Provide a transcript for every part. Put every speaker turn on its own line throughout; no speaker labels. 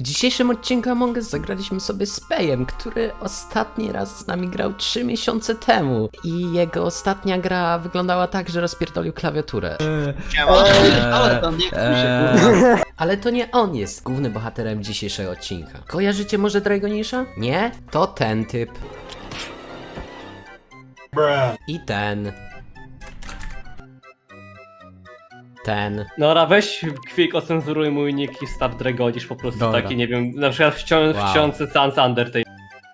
dzisiejszym odcinku Among Us zagraliśmy sobie z Pejem, który ostatni raz z nami grał 3 miesiące temu. I jego ostatnia gra wyglądała tak, że rozpierdolił klawiaturę. Ale to nie on jest głównym bohaterem dzisiejszego odcinka. Kojarzycie może Dragonisha? Nie? To ten typ. I ten. Ten.
Nora, weź Kwik, ocenzuruj mój nick i staw Dragonisz po prostu.
Dobra.
Taki, nie wiem, na przykład wciący Sans Undertale.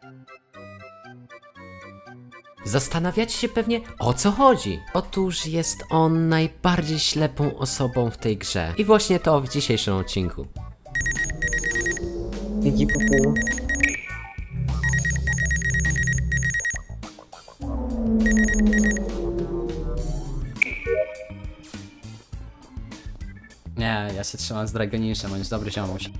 Zastanawiacie się pewnie, o co chodzi? Otóż jest on najbardziej ślepą osobą w tej grze. I właśnie to w dzisiejszym odcinku.
Widzi pupu.
Nie, ja się trzymam z Dragonishem, on jest dobry ziomuś.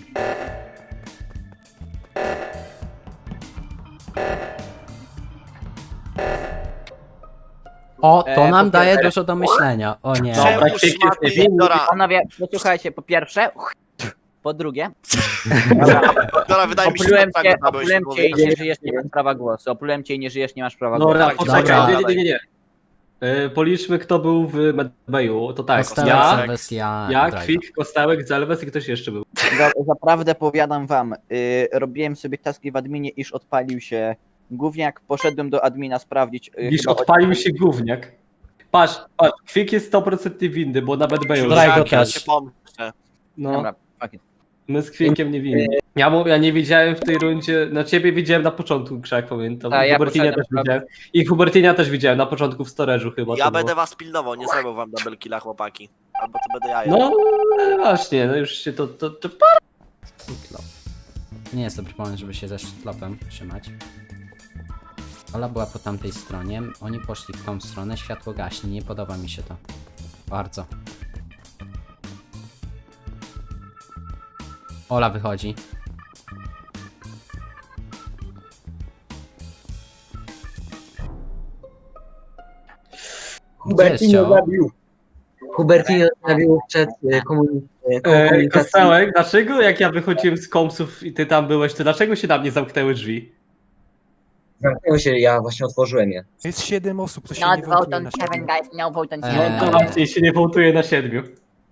O, to nam daje dużo do myślenia. O nie.
Dobra,
Czemu
Kwik jest
szmaty
niewinny.
Dora?
Panowie, posłuchajcie, po pierwsze, po drugie,
Dora, wydaje mi się,
oplułem
że
cię,
tak
oplułem cię i nie żyjesz, nie masz prawa głosu. Oplułem cię i nie żyjesz, nie masz prawa głosu.
Nora,
Tak,
poczekaj,
dobra.
nie. Policzmy, kto był w Medbayu. To tak,
Kostełek,
ja,
Zelwes, ja,
ja, Kwik, Kostełek, Zelwes i ktoś jeszcze był.
Zaprawdę powiadam wam, robiłem sobie taski w adminie, iż odpalił się gówniak, poszedłem do admina sprawdzić.
Dziś
chyba
odpalił się gówniak. Patrz, Kwik jest 100% winny, bo na Medbayu.
Drago
ja
też.
się pomyślę.
No,
Dobra, fuck it.
my z Kwikiem nie winni. Ja nie widziałem w tej rundzie, na ciebie widziałem na początku, Krzak, pamiętam.
Tak, ja
Hubertinia też
poszedłem,
widziałem. I Hubertinia też widziałem na początku w storage'u chyba.
Ja
to
będę
było.
was pilnował, nie zrobił wam double killa, chłopaki. Albo to będę ja.
No właśnie, no już się to...
Sztutlop. Nie jest dobry pomysł, żeby się ze sztutlopem trzymać. Ola była po tamtej stronie, oni poszli w tą stronę, światło gaśnie, nie podoba mi się to. Bardzo. Ola wychodzi.
Hubertinio zabił. Hubertinio zabił przed komunikacją.
Kostełek, dlaczego jak ja wychodziłem z kompsów i ty tam byłeś, to dlaczego się na mnie zamknęły drzwi?
Zamknęło się, ja właśnie otworzyłem je.
Jest 7 osób, to się
Not
nie
vote
wołtuje
on
na
Kevin,
siebie.
guys, no vote on
Eee.
Kevin.
To właśnie się nie wołtuje na 7.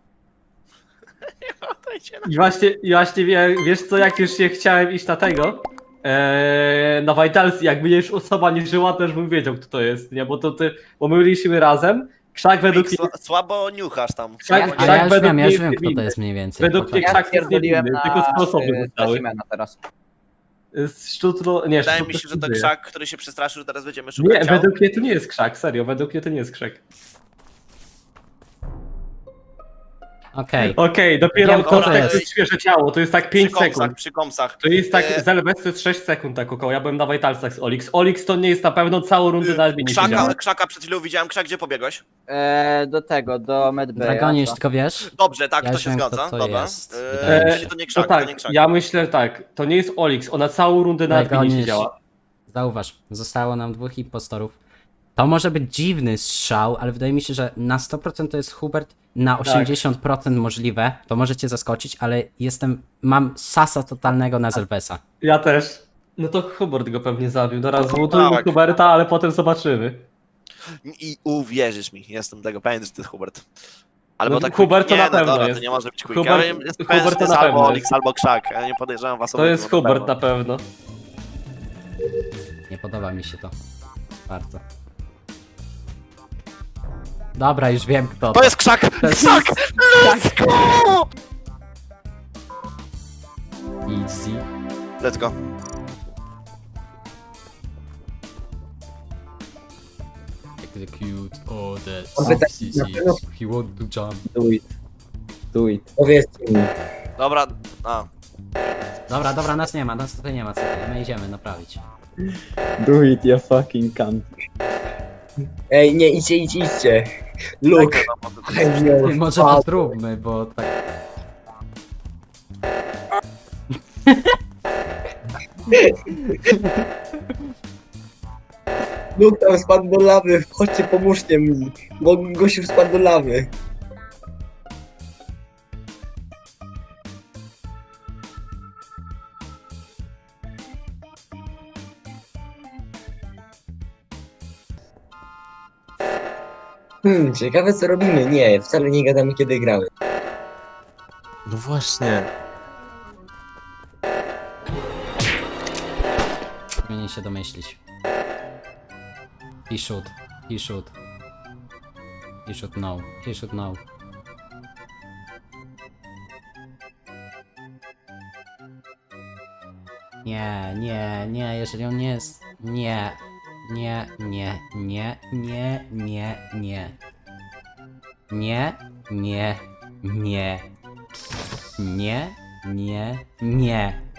I właśnie wiesz co, jak już się chciałem iść na tego, na Vitalsy, jakby już osoba nie żyła, to już bym wiedział, kto to jest, nie? Bo my byliśmy razem, Krzak według mnie,
Słabo niuchasz tam.
Krzak,
A ja
Krzak
już
według
wiem,
mnie
ja już
jest
wiem, kto to
niewinny.
jest mniej więcej.
Według mnie
Ja
Krzak jest
stwierdziłem
niewinny,
na
tylko 3 osoby zostały.
specimena teraz.
Szczutro, nie,
Wydaje
Szczutro
mi się, że to
żyje.
Krzak, który się przestraszył, że teraz będziemy szukać
Nie,
ciał.
według mnie to nie jest Krzak, serio, według mnie to nie jest Krzak.
Okej.
Okej, dopiero
Wiem, kto to
Kostek to
jest.
jest świeże ciało, to jest tak 5 sekund.
Przy komsach.
To jest tak,
E,
Zelwes to jest 6 sekund tak około, ja byłem na Vitalsach z Olix. Olix to nie jest na pewno całą rundę na adminie siedziałem.
Krzaka przed chwilą widziałem. Krzak, gdzie pobiegłeś?
Do Medbaya.
Dragonisz, tylko wiesz?
Dobrze, tak,
Ja
to
już
się
wiem,
zgadza.
kto to
Dobra.
jest. Wydaje mi się.
To nie
To
Krzak, to nie
tak,
Krzak.
ja myślę tak, to nie jest Olix, ona całą rundę na adminie
Dragonisz.
siedziała.
Zauważ, zostało nam 2 impostorów. To może być dziwny strzał, ale wydaje mi się, że na 100% to jest Hubert, na 80% możliwe. To możecie zaskoczyć, ale mam sasa totalnego na Zelwesa.
Ja też. No to Hubert go pewnie zabił, teraz złotujmy
tak.
Huberta, ale potem zobaczymy.
I uwierzysz mi, jestem tego pewien, że to jest Hubert. Albo
No,
tak
Hubert to
nie,
na pewno
dobra,
jest.
to nie może być Quick.
Hubert-
Ja jestem
Hubert
pewien, że
to
to jest
na
albo
pewno
Olix, albo Krzak. Ja nie podejrzewam was
To
obydwu,
jest Hubert na
pewno.
pewno.
Nie podoba mi się to. Bardzo. Dobra, już wiem kto.
To jest Krzak! Krzak! Let's go!
Easy.
Let's go.
Execute all the
Kompletnie.
substitutes. He won't do jump.
Do it. Powiedzcie mi.
Dobra,
Dobra, nas nie ma, nas tutaj nie ma, co ty, my idziemy naprawić.
Do it, you fucking cunt.
Ej, nie, idźcie. Look. I know.
Może to zróbmy, bo tak...
Look tam spadł do lawy. Chodźcie, pomóżcie mi. Bo gościu spadł do lawy. Ciekawe co robimy. Nie, wcale nie gadamy kiedy gramy.
No właśnie.
Powinien się domyślić. He should. He should. He should know. He should know. Nie, nie, nie, jeżeli on nie jest... Nie. Nie, nie, nie, nie, nie, nie. Nie, nie, nie. Nie, nie, nie.